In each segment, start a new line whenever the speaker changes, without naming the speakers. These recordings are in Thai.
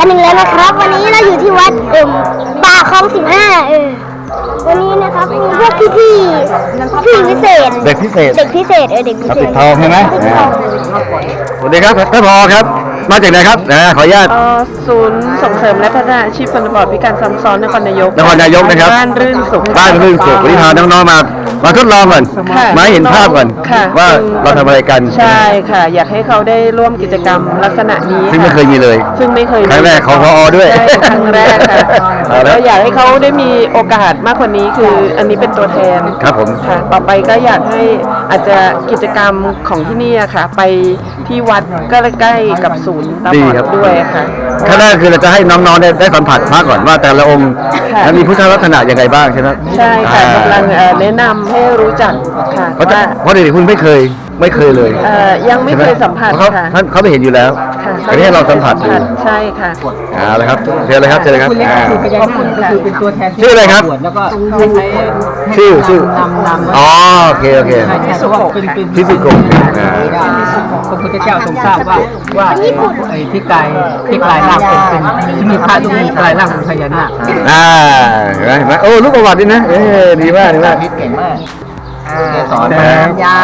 หนึ่งแล้วนะครับวันนี้เราอยู่ที่วัดป่าคลอง15วันนี้นะครับมีพวกพี่พิเศษ
เด็กพิเศษ
เด็กพิเศษเด็กพิเศษ
ปิดทองใช่ไหมสวัสดีครับท่านผอครับมาจากไหนครับขออนุญาต
ศูนย์ส่งเสริมและพัฒนาอาชีพคนบอดพิการซ้ำซ้อนนครนายก
นะครับ
บ้านรื่นสุข
บ้านรื่นสุขวันนี้พาน้องๆมาทดลองก่อนมาเห็นภาพก่อนว่าเราทำอะไรกัน
ใช่ค่ะอยากให้เขาได้ร่วมกิจกรรมลักษณะนี้
ซึ่งไม่เคยมีเลยครั้งแรกของผอด้วย
ครั้งแรกค่ะแล้วอยากให้เขาได้มีโอกาสมากกว่านี้คืออันนี้เป็นตัวแทน
ครับผม
ค่ะต่อไปก็อยากให้อาจจะกิจกรรมของที่นี่ค่ะไปที่วัดก็ใกล้กับศูนย์ตาบอดด้วยค่ะ
ขั้นแรกคือเราจะให้น้องๆได้สัมผัสพระก่อนว่าแต่ละองค์มีพุทธลักษณะยังไงบ้างใช่ไหม
ใช่ค่ะกำลังแนะนำให้รู้จักค่ะ
เพราะเด็กๆคุณไม่เคยเลย
ยังไม่เคยสัมผัสค่ะ
เขาไม่เห็นอยู่แล้วอันนี้เราสัมผัสดู
ใช่ค่ะ
เลยครับเชิญเลยครับ
ขอบคุณค่ะคือเป็นตัวแทน
ชื่ออะไรครับ
แล้วก็
ชื่อนอ๋อโอเค
ที่สุโขเป็น
ที่สุโข
พระพุทธเจ้าทรงทราบว่าไอ้ที่กลายร่างเป็นที่มีพระที่กลายร่างเป็นพญานาค
เห็นไหมโอ้ลูกประวัตินี่นะดีมาก
เก่งมาก
สอน
ยา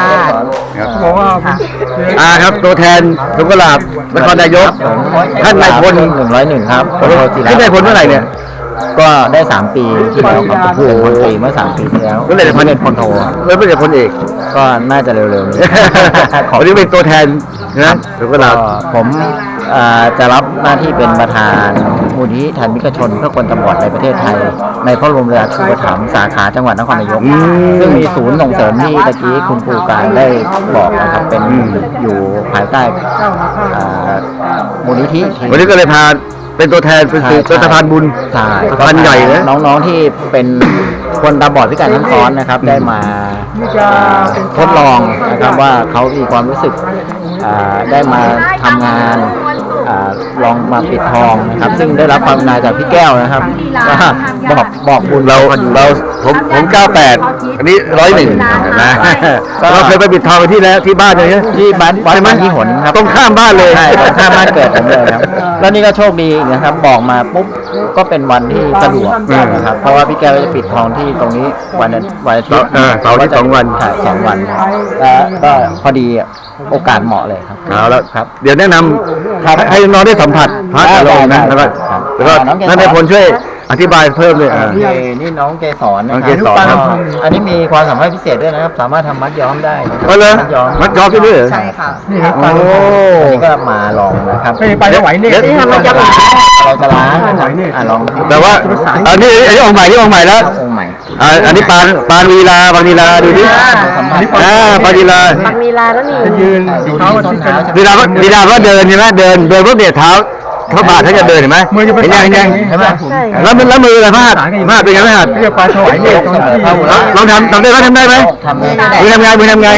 ครับตัวแทนสุกลาบนครนายกท่านนายพล
101ครับ
ท่านนายพลเมื่อไหร่เนี่ย
ก็ได้3 ปีที่แล้วครับผู้พลตรีเมื่อ3 ปีที่แล้ว
ก็เลยพันเอกพลโทแล้วเป็นพลเอก
ก็น่าจะเร็วๆนี้
วันนี้เป็นตัวแทนนะสุกลาบ
ผมจะรับหน้าที่เป็นประธานมูลนิธิธรรมิกชนเพื่อคนตาบอดในประเทศไทยในพระบรมราชูปถัมภ์สาขาจังหวัดนครนายกซึ่งมีศูนย์ส่งเสริมที่ตะกี้คุณครูการได้บอกนะครับเป็นอยู่ภายใต้มูลนิธิ
วันนี้ก็เลยพาเป็นตัวแทนเป็นสะพานบุญสะพานใหญ่นะ
น้องๆที่เป็นคนตาบอดพิการทั้งซ้อนนะครับได้มาทดลองนะครับว่าเขามีความรู้สึกได้มาทำงานลองมาปิดทองนะครับซึ่งได้รับความนาจากพี่แก้วนะครับบอกบุญ
เราผม98อันนี้101นะเราเคยไปปิดทองที่แล้วที่บ้านเลย
ที่บ้านที่หนครับ
ตรงข้ามบ้านเลย
ใช่ตรงข้ามบ้านเกิดผมเลยครับแล้วนี่ก็โชคดีนะครับบอกมาปุ๊บก็เป็นวันที่สะดวกนะครับเพราะว่าพี่แก้วจะปิดทองที่ตรงนี้วันอาทิตย์
เสาร์ที่2 วัน
ถ่าย2 วันแล้วก็พอดีโอกาสเหมาะเลยครับ
เอาแล้วครับเดี๋ยวแนะนำให้น้องได้สัมผัสพระอารมณ์นะแล้วก็นั่นในพลช่วยอธิบายเพิ่มเลย
นี่น้องเกสร
น้องเกสรครับ
อันนี้มีความสามารถพิเศษด้วยนะครับสามารถทำมัดย้อมได้
เลยมัดย้อมได้ด้วย
ใช่ค่ะโอ้นี่ก็มาลองนะครับ
ไปไม่ไหวเนี่ย
ที่ทำมัดย้อมเราจะล้างลอง
แต่ว่าอันนี้องค์ใหม่แล้วองค์ใหม่อันนี้ปานวีลาบางวีลาดูดิปานวีลา
แล้วนี่
ยืน
วีลาก็เดินใช่ไหมเดินพวกเดียเท้าเขาบาดเขาจะเดินเห็นไหมเห็นยัง
ใช่ไหม
แล้วมืออะไรพลาดเป็นไงไม่หัด
เรียกปลาถวายเนี่ย
ลองทำได้ไหมทำไ
หมมือทำไง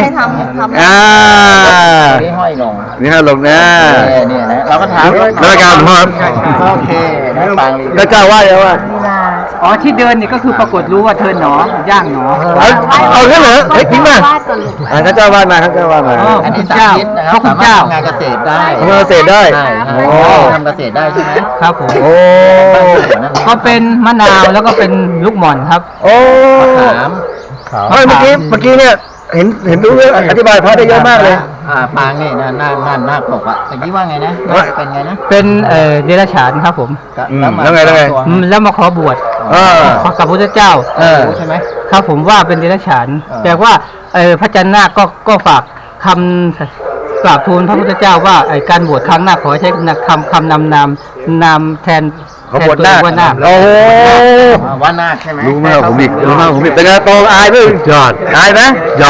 ห้อยลง
นี่ฮะลงนะ
เราก็ถาม
แล้วการครับ
โอเค
แล้วเจ้าว่ายังว่า
ที่เดินนี่ก็คือปรากฏรู้ว่าเธอหนอย่างหน
เอาเรื่องเหรอจริงป่ะข้าเจ้าวาดมาข้าเจ้าวาดมา
อันนี้เจ้าเขาคุณเจ้างานเกษตรได้
ทำเกษตรได้
ทำเกษตรได้ใช่ไหม
ครับผม
โอ้
ก็เป็นมะนาวแล้วก็เป็นลูกหม่อนครับ
โอ้
มะขาม
เมื่อกี้เนี่ยเห็นรู้เรื่องอธิบายพระได้เยอะมากเลย
ปางนี่หน้าปกอ่ะเมื่อกี้ว่าไงนะเป็นไงนะ
เป็นเดรัจฉานครับผม
แล้วไง
แล้วมาขอบวชกับพระพุทธเจ้า
ใช่ไหม
ครับผมว่าเป็นเดรัจฉานแต่ว่าพระจันทร์นาคก็ฝากคำกราบทูลพระพุทธเจ้าว่าการบวชครั้งหน้าขอใช้คำนำแทน
เขาบวชหน้า
โอ้ว่านาใช่ไหม
รู้มากผมอีกเป็นไงโตอายไหมยอดอายไหม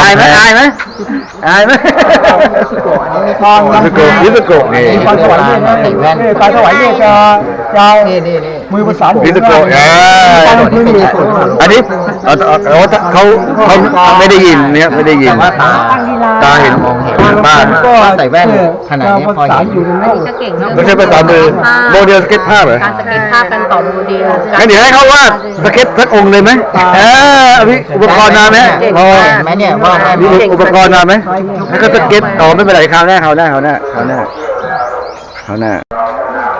มีทอง
นิสโกนี่
ปลาถวายเนี่ย
ปลาถวายเนี่ยจะ
นี่
มือประสาน
นิสโกอันนี้เขาไม่ได้ยินเนี่ยไม่ได้ยินตาเห็นมองเห็นบ้าน
ก็ใส่แว่นขนาดนี้พอเห็น
ไม่ใช่ภาษามือโมเดลสเก็ตภาพเหรอ
สเก็ตภาพกันต่อโมเดล
งั้นเดี๋ยวให้เขาวาดสเก็ตสักองค์เลยไหมอุปกรณ์มาไหม
พอไหมเนี่ยว่า
มีอุปกรณ์มาไหมให้เขาสเก็ตไม่เป็นไรคราวหน้า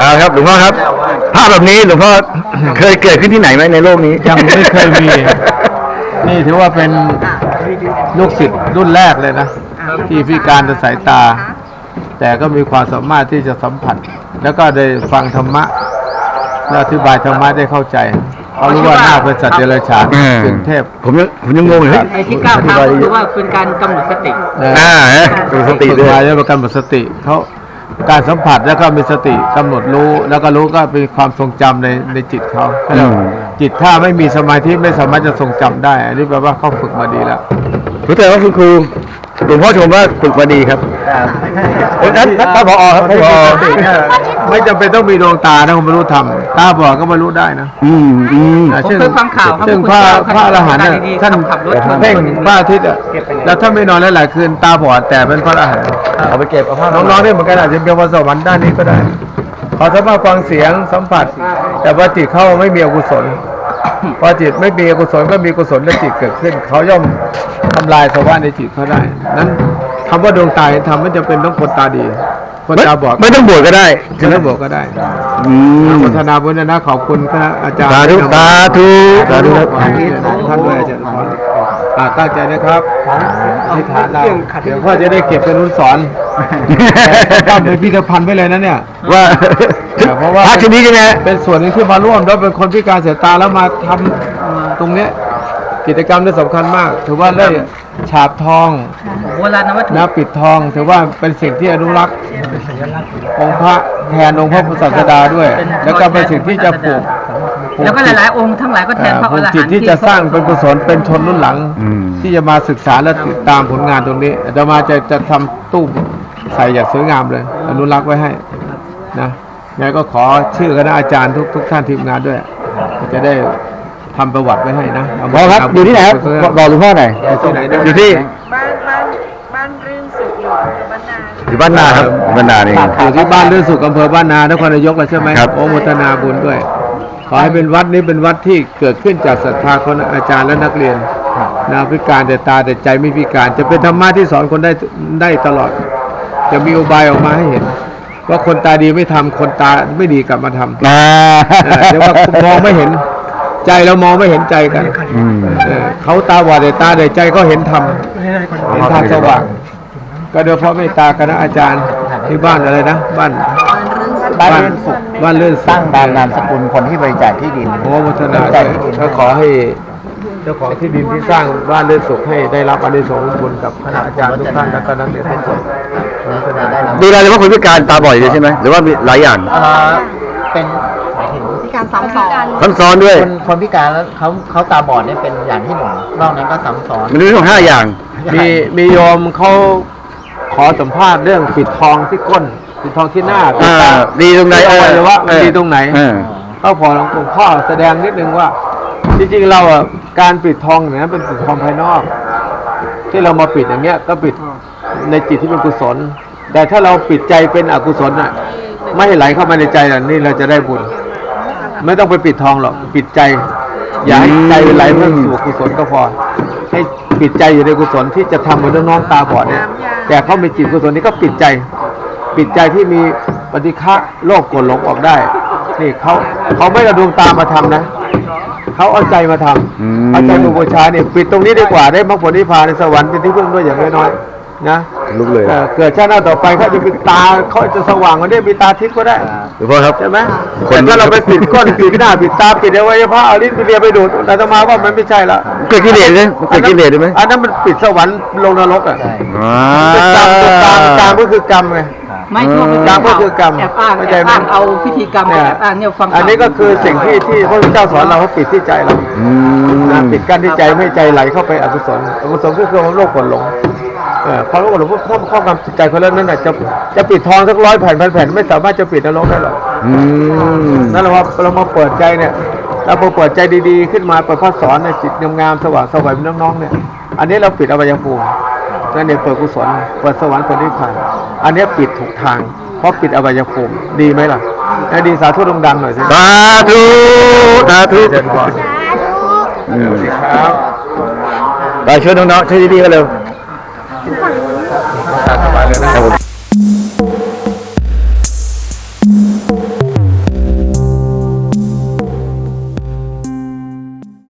ครับหลวงพ่อครับ ภาพแบบนี้หลวงพ่อเคยเกิดขึ้นที่ไหนไหมในโลกนี้
ยังไม่เคยมี นี่ถือว่าเป็นลูกศิษย์รุ่นแรกเลยนะ ที่พิการทางสายตา แต่ก็มีความสามารถที่จะสัมผัส แล้วก็ได้ฟังธรรมะและอธิบายธรรมะได้เข้าใจเขารู้ว่าหน้าเป็นสัตว์เดรัจฉานเป็นเทพ
ผมยังงงเลย
ไอ้ที่ก้าวเท้าก็คือว่าเป็นการกำหนดสติ
ดูสติ
ฝึก
ด้วย
มาแล้วประกันหมดสติเขาการสัมผัสแล้วก็มีสติกำหนดรู้แล้วก็รู้ก็เป็นความทรงจำในจิตเขาจิตถ้าไม่มีสมาธิไม่สามารถจะทรงจำได้ อันนี้แปลว่าเขาฝึกมาดีแล้ว
รู้แต่ว่าคุณครูหลวงพ่อชมว่าฝึกมาดีครับนั้นท่านผอครับท่านผอ
ไม่จำเป็นต้องมีดวงตานะคุณบรรลุธรรมตาบอดก็บรรลุได้นะ
ผมเคยฟังข่าวครับ
ซึ่งพระอรหันต์เนี่ยท่าน
ขับรถชน
เพ่งพระอาทิตย์อะแล้วถ้าไม่นอนหลายๆคืนตาบอดแต่เป็นพระอรหันต์
เอาไปเก็บเอาผ้า
น้องๆนี่เหมือนกันอาจจะเป็นพรสวรรค์ด้านนี้ก็ได้เขาสามารถฟังเสียงสัมผัส แต่ว่าจิตเขาไม่มีอกุศลพอจิตไม่มีอกุศลก็มีกุศลในจิตเกิดขึ้นเขาย่อมทำลายสภาวะในจิตเขาได้นั้นคำว่าดวงตาเห็นธรรมไม่จำเป็นต้องคนตาดีคนตาบอด
ไม่ต้องบวชก็ได้
จะไม่บอกก็ได้อนุโมทนาบุญนะขอบคุณคณะอาจารย์
สาธุสาธุสาธุครับ
ท่านด้วยอาจารย์ตั้งใจนะครับอธิษฐานเราเดี๋ยวพ่อจะได้เก็บเป็นรุ่นสอนทำเป็นพิพิธภัณฑ์ไปเลยนะเนี่ย
ว่า
เพราะว่า
พระชนิดใช่ไหม
เป็นส่วนหนึ่งที่มาร่วมแล้วเป็นคนพิการสายตาแล้วมาทำตรงเนี้ยกิจกรรมที่สำคัญมาก ถือว่าได้ฉาบทอง
โบราณวัตถุ
นะปิดทอง ถือว่าเป็นสิ่งที่อนุรักษ์องค์พระแทนองค์พระพุทธศาสดาด้วย แล้วก็เป็นสิ่งที่จะปลูก
แล้วก็หลายๆองค์ทั้งหลายก็แทนพระ
ป
อ
ลูก
รหันต์
จิตที่จะสร้างเป็นกุศลเป็นชนรุ่นหลัง ที่จะมาศึกษาและติดตามผลงานตรงนี้อาตมาจะทำตู้ใส่อย่างสวยงามเลย อนุรักษ์ไว้ให้นะงั้นก็ขอชื่อคณะอาจารย์ทุกท่านทีมงานด้วย จะได้ทำประวัติไว้ให้นะ
หมอครับอยู่ที่ไหนครับบอกหลวงพ่อหน่อย
ที่ไหนนะ
อยู่ที่
บ้านรื่นสุขอยู่บ้านนา
อยู่บ้านนาครับบ้านนานี่
อยู่ที่บ้านเลื่อนสุขอำเภอบ้านนานครนายกแล้วใช่ไหม
ครับ
โอโมทนาบุญด้วย ขอให้เป็นวัดนี้เป็นวัดที่เกิดขึ้นจากศรัทธาของอาจารย์และนักเรียนนะพิการแต่ตาแต่ใจไม่พิการ จะเป็นธรรมะที่สอนคนได้ตลอด จะมีอุบายออกมาให้เห็น ว่าคนตาดีไม่ทำคนตาไม่ดีกลับมาทำเดี๋ยวว่ามองไม่เห็นใจเรามองไม่เห็นใจกันเขาตาบอดแต่ตาแต่ใจก็เห็นธรรมเห็นทางสว่าง ก็โดยเพราะเมตตาคณะอาจารย์ที่บ้านอะไรนะบ้าน
บ้านเลื่อนสุข
บ้านเลื่อนสุข
ตั้งตามนามสกุลคนที่บริจาคที่ดิน
โอ้พัฒนา
บริจาคที่ดิน
ก็ขอให้เจ้าของที่ดินที่สร้างบ้านเลื่อนสุขให้ได้รับอานิสงส์บุญกับคณะอาจารย์ทุกท่านและก็นักเรียนทุกคน
ดูแลเฉพาะคนพิการตาบอดเลยใช่ไหมหรือว่ามีหลายอย่าง
เป็นหมายถึง
ที่การซ้ำซ้อน
ซ้ำซ้อนด้วย
คนพิการแล้วเขาตาบอดเนี่ยเป็นอย่างที่หนึ่งนอกนั้นก็ซ้ำซ้อน
มันมีทั้ง5 อย่าง
มีโยมเขาขอสัมภาษณ์เรื่องปิดทองที่ก้นปิดทองที่หน้าปิดตา
ดีตรงไหน
หรือว่ามันดีตรงไหน
เออ
ก็พอหลวงพ่อแสดงนิดนึงว่าจริงๆเราอ่ะการปิดทองเนี่ยเป็นปิดทองภายนอก ที่เรามาปิดอย่างเงี้ยก็ปิดในจิตที่เป็นกุศล แต่ถ้าเราปิดใจเป็นอกุศลอ่ะไม่ให้ไหลเข้ามาในใจอ่ะนี่เราจะได้บุญ ไม่ต้องไปปิดทองหรอกปิดใจ อย่าให้ใจไหลเพิ่มสู่กุศลก็พอ ให้ปิดใจอยู่ในกุศลที่จะทำเหมือนน้องๆตาบอดเนี่ยแต่เขามีจิตกุศลนี้ก็ปิดใจ ปิดใจที่มีปฏิฆะโลภโกรธหลงออกได้นี่เขาไม่เอาดวงตามาทำนะเขาเอาใจมาทำเอาใจมาบูชาเนี่ยปิดตรงนี้ดีกว่าได้มรรคผลนิพพานในสวรรค์เป็นที่พึ่งด้วยอย่างน้อยๆนะ
ลุกเลย
เกิดชาติหน้าต่อไปเขาจะมีตาเขาจะสว่างกันได้มีตาทิพย์ก็ได้
หลวงพ่อครับ
ใช่ไหมแต่ถ้าเราไปปิดก้นปิดหน้าปิดตาปิดอวัยวะเอาลิ้นไปเลียไปดูดอาตมาว่ามันไม่ใช่ละ
เกิดกิเลสไหมเกิดกิเลสได้ไหม
อันนั้นมันปิดสวรรค์ลงนรกอ่ะ
อ่า
เป็นกรรมตัวกรรมก็คือกรรมไง
ไม่ทั่วไป
กรรมก็คือกรรม
แอบอ้าง
เข้า
แอ
ใจ
บ
ไหม
อ้างเอาพิธีกรรม
เนี่ย
แอบอ้างเนี่ยฟัง
อันนี้ก็คือสิ่งที่พระพุทธเจ้าสอนเราเขาปิดที่ใจเรานะปิดกั้นที่ใจไม่ให้ใจไหลเข้าไปอกุศลอกุศลก็คือความโลภโกรธหลงความโลภโกรธหลงถ้าครอบงำจิตใจคนแล้วนั่นน่ะจะปิดทองสัก100 แผ่นพันแผ่นไม่สามารถจะปิดนรกได้หรอกนั่นเรามาเปิดใจเนี่ยเราพอเปิดใจดีๆขึ้นมาเปิดพระสอนในจิตงามๆสว่างสวัยเป็นน้องๆเนี่ยอันนี้เราปิดอบายภูมินั่นเนี่ยเปิดกุศลเปิดสวรรค์เปิดนิพพานอันนี้ปิดถูกทางเพราะปิดอบายภูมิดีไหมล่ะดีสาธุดังๆหน่อยสิ
สาธุสาธุ
เชิญก่อน
อืม
ครับ
ไปช่วยน้องๆช่วยดีๆกันเร็ว
สบายเลยนะ
ครับผม